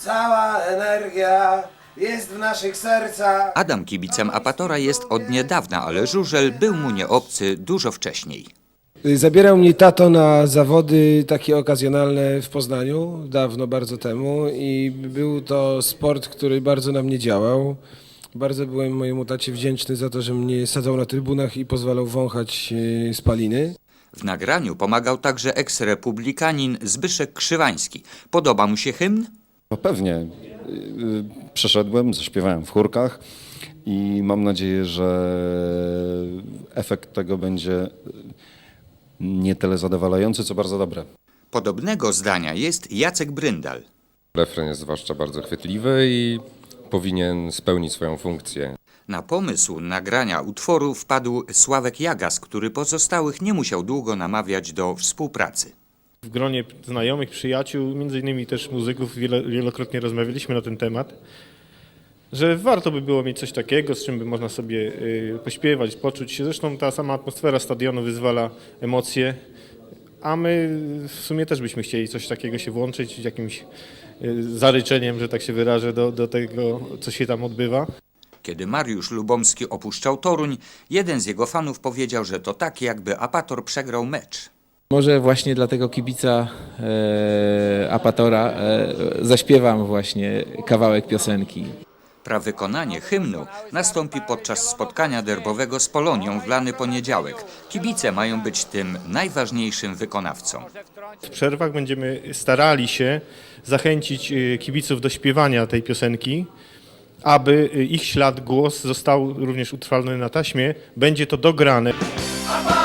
Cała energia jest w naszych sercach. Adam kibicem Apatora jest od niedawna, ale żużel był mu nieobcy dużo wcześniej. Zabierał mnie tato na zawody takie okazjonalne w Poznaniu, dawno, bardzo temu, i był to sport, który bardzo na mnie działał. Bardzo byłem mojemu tacie wdzięczny za to, że mnie sadzał na trybunach i pozwalał wąchać spaliny. W nagraniu pomagał także eks-republikanin Zbyszek Krzywański. Podoba mu się hymn? No pewnie. Przeszedłem, zaśpiewałem w chórkach i mam nadzieję, że efekt tego będzie nie tyle zadowalający, co bardzo dobry. Podobnego zdania jest Jacek Bryndal. Refren jest zwłaszcza bardzo chwytliwy i powinien spełnić swoją funkcję. Na pomysł nagrania utworu wpadł Sławek Jagas, który pozostałych nie musiał długo namawiać do współpracy. W gronie znajomych, przyjaciół, między innymi też muzyków wielokrotnie rozmawialiśmy na ten temat, że warto by było mieć coś takiego, z czym by można sobie pośpiewać, poczuć się. Zresztą ta sama atmosfera stadionu wyzwala emocje, a my w sumie też byśmy chcieli coś takiego się włączyć, jakimś zaryczeniem, że tak się wyrażę, do tego, co się tam odbywa. Kiedy Mariusz Lubomski opuszczał Toruń, jeden z jego fanów powiedział, że to tak, jakby Apator przegrał mecz. Może właśnie dla tego kibica Apatora zaśpiewam właśnie kawałek piosenki. Prawykonanie hymnu nastąpi podczas spotkania derbowego z Polonią w lany poniedziałek. Kibice mają być tym najważniejszym wykonawcą. W przerwach będziemy starali się zachęcić kibiców do śpiewania tej piosenki, aby ich ślad, głos został również utrwalony na taśmie. Będzie to dograne.